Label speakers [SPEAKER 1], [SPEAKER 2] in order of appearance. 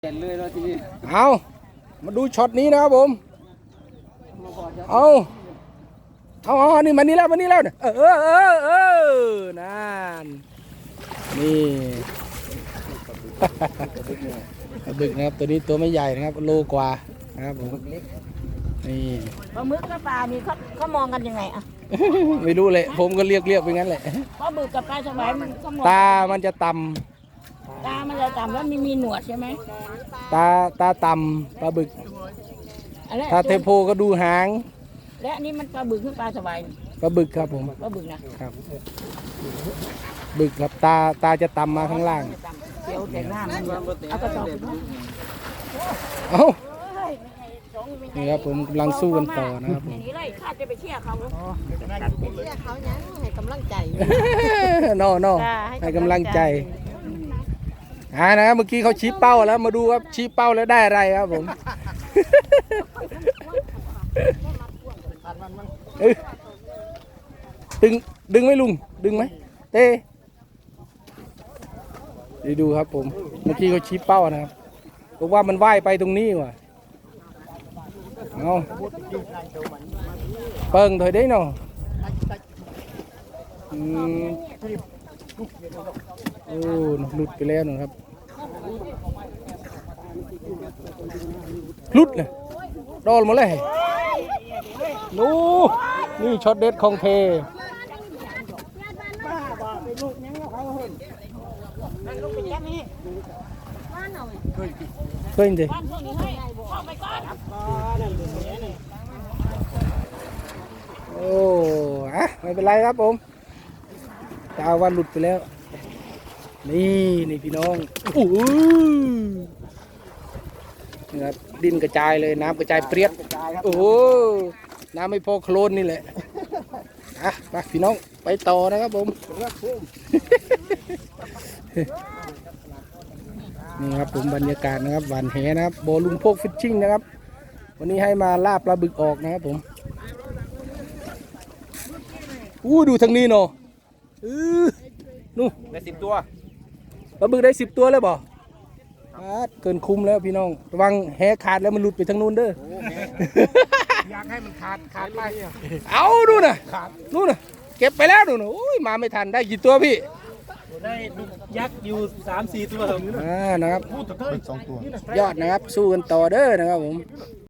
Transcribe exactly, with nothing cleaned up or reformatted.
[SPEAKER 1] เห็นเลยแล้วทีนี้
[SPEAKER 2] เอามาดูช็อตนี้นะครับผมเอาเอาเอานี่มานี่แล้วมานี่แล้วเออเออเออเออนั่นนี่ปลาบึกนะครับตัวนี้ตัวไม่ใหญ่นะครับโลกว่านะครับผมนี่
[SPEAKER 3] ปลาหมึกกับปลานี่เขาเขามองกันยังไงอะ
[SPEAKER 2] ไม่รู้เลยผมก็เรียกเรียกไปงั้นแหละ
[SPEAKER 3] ปลาบึกกับปลาสวายมันเขามอง
[SPEAKER 2] ตามันจะต่ำ
[SPEAKER 3] ตามันจะต่ำแล้วมีมีหนวดใช่ไหม
[SPEAKER 2] ตาตาต่ำปลาบึก
[SPEAKER 3] อันนั้น
[SPEAKER 2] ถ้าเทโพก็ดูหาง
[SPEAKER 3] และอันนี้มันปลาบึกหรือปลาสวาย
[SPEAKER 2] ปลาบึกครับผม
[SPEAKER 3] ปลาบึกนะครับ
[SPEAKER 2] บึกครับตาตาจะต่ำมาข้างล่าง
[SPEAKER 3] เดี๋ยวแต่หน้ามันเอากระสอบ
[SPEAKER 2] เอ้านี่ครับผมกำลังสู้กันต่อนะครับผม
[SPEAKER 3] อย่างนี้เลยข้าจะไปเชี่ยเขา
[SPEAKER 4] เชื่อเขายังให้กำลังใจ
[SPEAKER 2] นอนอให้กำลังใจอ่านะครับเมื่อกี้เขาชี้เป้าแล้วมาดูครับชี้เป้าแล้วได้อะไรครับผมเอ้ยดึงดึงไหมลุงดึงไหมเต้ดีดูครับผมเมื่อกี้เขาชี้เป้านะครับบอกว่ามันว่ายไปตรงนี้ว่ะเอาเปิงถอยได้เนาะอืมโอ้หลุดไปแล้วนะครับหลุดเลยโดนหมดเลยดูนี่ช็อตเด็ดของเทเคยดิโอ้อะไม่เป็นไรครับผมตาวันหลุดไปแล้วนี่นี่พี่น้องโอ้นี่ครับดินกระจายเลยน้ำกระจายเปรี้ยโอ้น้ำไม่พอโคลนนี่แหละอ่ะไปพี่น้องไปต่อนะครับผมนี่ครับผมบรรยากาศนะครับหวานแหนะครับโบลุงพกฟิชชิ่งนะครับวันนี้ให้มาล่าปลาบึกออกนะครับผมอู้ดูทางนี้เนาะอือนู่ได้สิบตัวปลาบึกได้สิบตัวเลยบ่เกินคุ้มแล้วพี่น้องระวังแหขาดแล้วมันหลุดไปทางนู้นเด้ออยากให้มันขาดขาดไปเอาดูนะนู่นนะเก็บไปแล้วดูนะโอ้ยมาไม่ทันได้กี่ตัวพี่
[SPEAKER 1] ได้ยักษ์อยู่สามสี่ตัว
[SPEAKER 2] อ่านะครับยอดนะครับสู้กันต่อเด้อนะครับผม